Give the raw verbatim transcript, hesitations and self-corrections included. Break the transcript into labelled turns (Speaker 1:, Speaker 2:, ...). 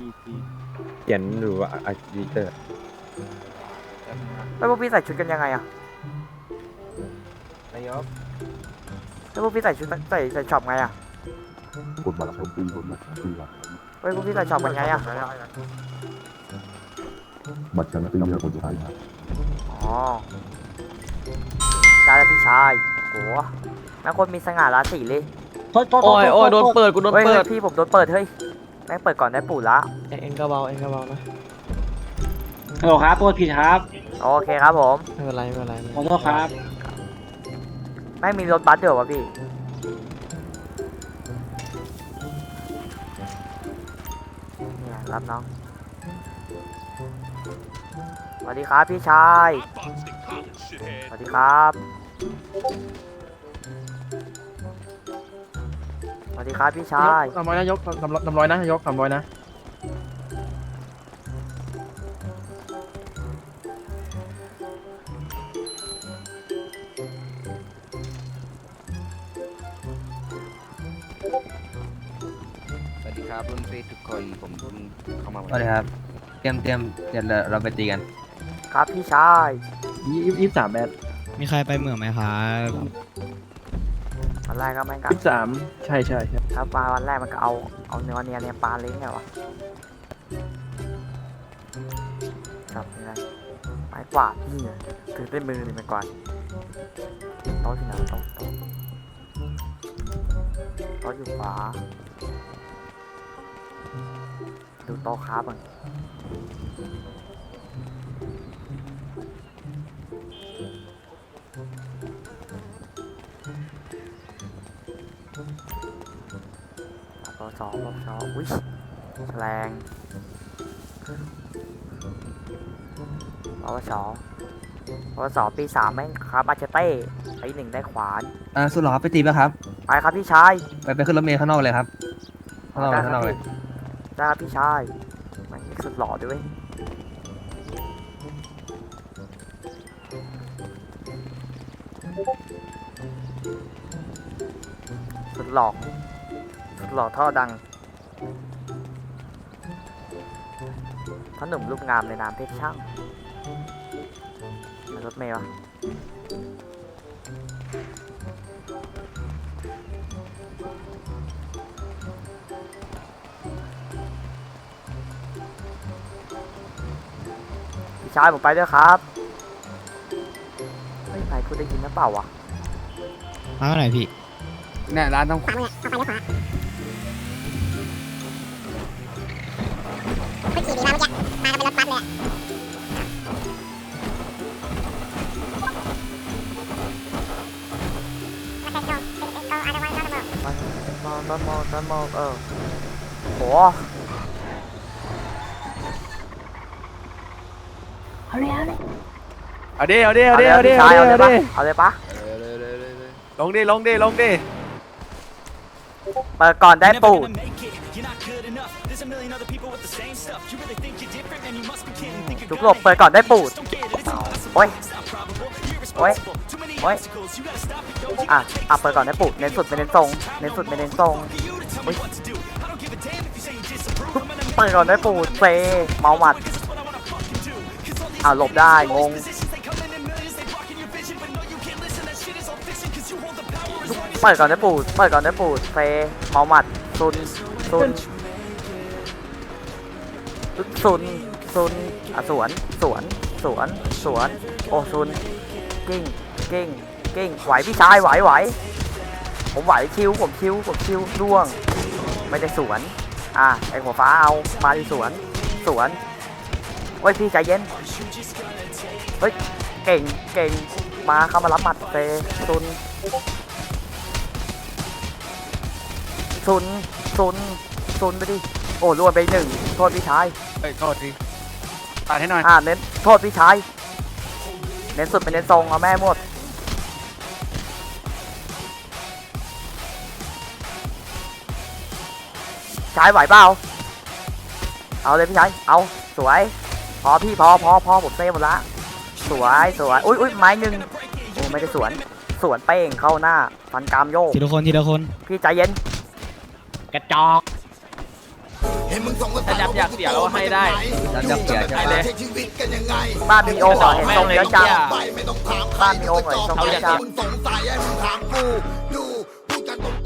Speaker 1: เขียนหรือว่าอาร์ติเตอร์
Speaker 2: แล้วพวกพี่ใส่ชุดกันยังไงอะ
Speaker 3: นายก
Speaker 2: แล้วพวกพี่ใส่ชุดใส่ใส่ช็อปไงอะ
Speaker 4: กดบัตรชมปีกดบัตรชมปีครับ
Speaker 2: เฮ้ยพวกพี่ใส่ช็อปกันไงอะ
Speaker 4: บัตรชมปีครับคนไทยครับ
Speaker 2: อ๋อได้แล้วพี่ชายโหแม่งคนมีสง่าราศีเลย
Speaker 3: โอ้ยโอ้ยโดนเปิดกูโดน
Speaker 2: เฮ้ย
Speaker 3: เปิ
Speaker 2: เฮ้
Speaker 3: ด
Speaker 2: ยพี่ผมโดนเปิดเฮ้ยแม่งเปิดก่อนได้ปู่ละ
Speaker 3: เอ็งก็เบาเอ็งก็เบานะ
Speaker 5: ฮัลโหลครับตัวผิดครับ
Speaker 2: โอเคครับผม
Speaker 3: ไม่เป็นไรไม่เป็นไร
Speaker 5: ขอโทษครับ
Speaker 2: แม่งมีรถบัสเดี๋ยววะพี่เนี่ยรับน้องสวัสดีครับพี่ชายสวัสดีครับสวัสดีครับพี่ชาย
Speaker 3: สามร้อยนะยกสามร้อยสามร้อยนะยกสามร้อยนะ
Speaker 6: สวัสดีครับรุ่นพี่ทุกคนผมเพิ่งเข้ามา
Speaker 7: สวัสดีครับ เตรียมเตรียมเดี๋ยวเราเราไปตีกัน
Speaker 2: ครับพี่ชาย
Speaker 3: ยี่ยี่สิบสามแบท
Speaker 8: มีใครไปเหมืองไหมครับ
Speaker 2: วันแรกก็แม่งกั
Speaker 3: ยี่สิบสามใช่ใช่ใช่
Speaker 2: ถ้าปลาวันแรกมันก็เอาเอาเนื้อเนียเนี่ยปลาเล้งไงวะครับนี่ไงไม้กวาดนี่ไงถือด้วยมือนี่ไม้กวาดโต๊ะที่ไหนโต๊ะโต๊ะโต๊ะอยู่ขวาดูโต๊ะครับมันโต๊ะสองโต๊ะสองอุ้ยแฉลงโต๊ะสองโต๊ะสองปีสามแม่งครับมาเชเต้ปีหนึ่งได้ขวาน
Speaker 7: อ่าสุดหล่อครับไปตีป่ะครับ
Speaker 2: ไปครับพี่ชาย
Speaker 7: ไปไปขึ้นรถเมล์ข้างนอกเลยครับข้างนอกเลยข้างนอกเลย
Speaker 2: ได้ครับพี่ชายแม่งสุดหล่อด้วยสุดหล่อสุดหล่อท่อดังพ่อหนุ่มรูปงามในนามเพชรช่างมารถเมล์วะพี่ชายผมไปด้วยครับเฮ้ยใครพูดได้ยินหรือเปล่าวะ
Speaker 8: มาเมื่อไหร่พี่
Speaker 6: เนี่ยร้านต้อง
Speaker 2: ต้นโมต้นโมเออโห
Speaker 3: เอาดิเอาดิเอาดิ
Speaker 2: เอา
Speaker 3: เอา
Speaker 2: เล
Speaker 3: ดิ
Speaker 2: ย
Speaker 3: เอาดิ
Speaker 2: พี่ชายเอาเลย
Speaker 3: เอา
Speaker 2: ปะ
Speaker 3: ดิ
Speaker 2: เอาเลยปะ
Speaker 3: ลงดิลงดิลงดิ
Speaker 2: เปิดก่อนได้ปูดทุกหลบเปิดก่อนได้ปูดโอ้ยโอ้ยโอ้ยอ่ะอ่ะเปิดก่อนได้ปูดเน้นสุดไม่เน้นทรงเน้นสุดไม่เน้นทรงโอ้ยเปิดก่อนได้ปูดเซเมาหมัดอ่ะหลบได้งงเปิดก่อนได้ปูดเปิดก่อนได้ปูดเซเมาหมัดซุนซุนซุนซุนอ่ะสวนสวนสวนสวนโอ้ซุนกิ้งกิ้งกิ้งไหวพี่ชายไหวไหวผมไหวคิวผมคิวผมคิวร่วงไม่ได้สวนอ่ะไอหัวฟ้าเอามาที่สวนสวนโอ้ยพี่ใจเย็นเฮ้ยเก่งเก่งมาเข้ามารับหมัดเซซุนซุนซุนซุนไปดิโอ้รวมไปหนึ่งโทษพี่ชาย
Speaker 6: เอ้ยโทษทีตัดให้หน่อย
Speaker 2: อ่าเน้นโทษพี่ชายเน้นสุดเป็นเน้นทรงเอาแม่หมดชายไหวเปล่าเอาเลยพี่ชายเอาสวยพอพี่พอพอพอผมเซฟหมดละสวยสวยอุ้ยอุ้ยไม้หนึ่งโอ้ไม่ได้สวนสวนเป้งเข้าหน้าฟันกรามโยก
Speaker 8: ทีละคนทีละคน
Speaker 2: พี่ใจเย็น
Speaker 3: กระจอก
Speaker 9: Hey ถ้ายับอยากเสียเราให้ได้
Speaker 7: ยับยับเสียใช่ไหม
Speaker 2: บ้านมีองค์เหรอเห็นทรงเยอะจังบ้านมีองค์เหรอเห็นทรงเยอะจัง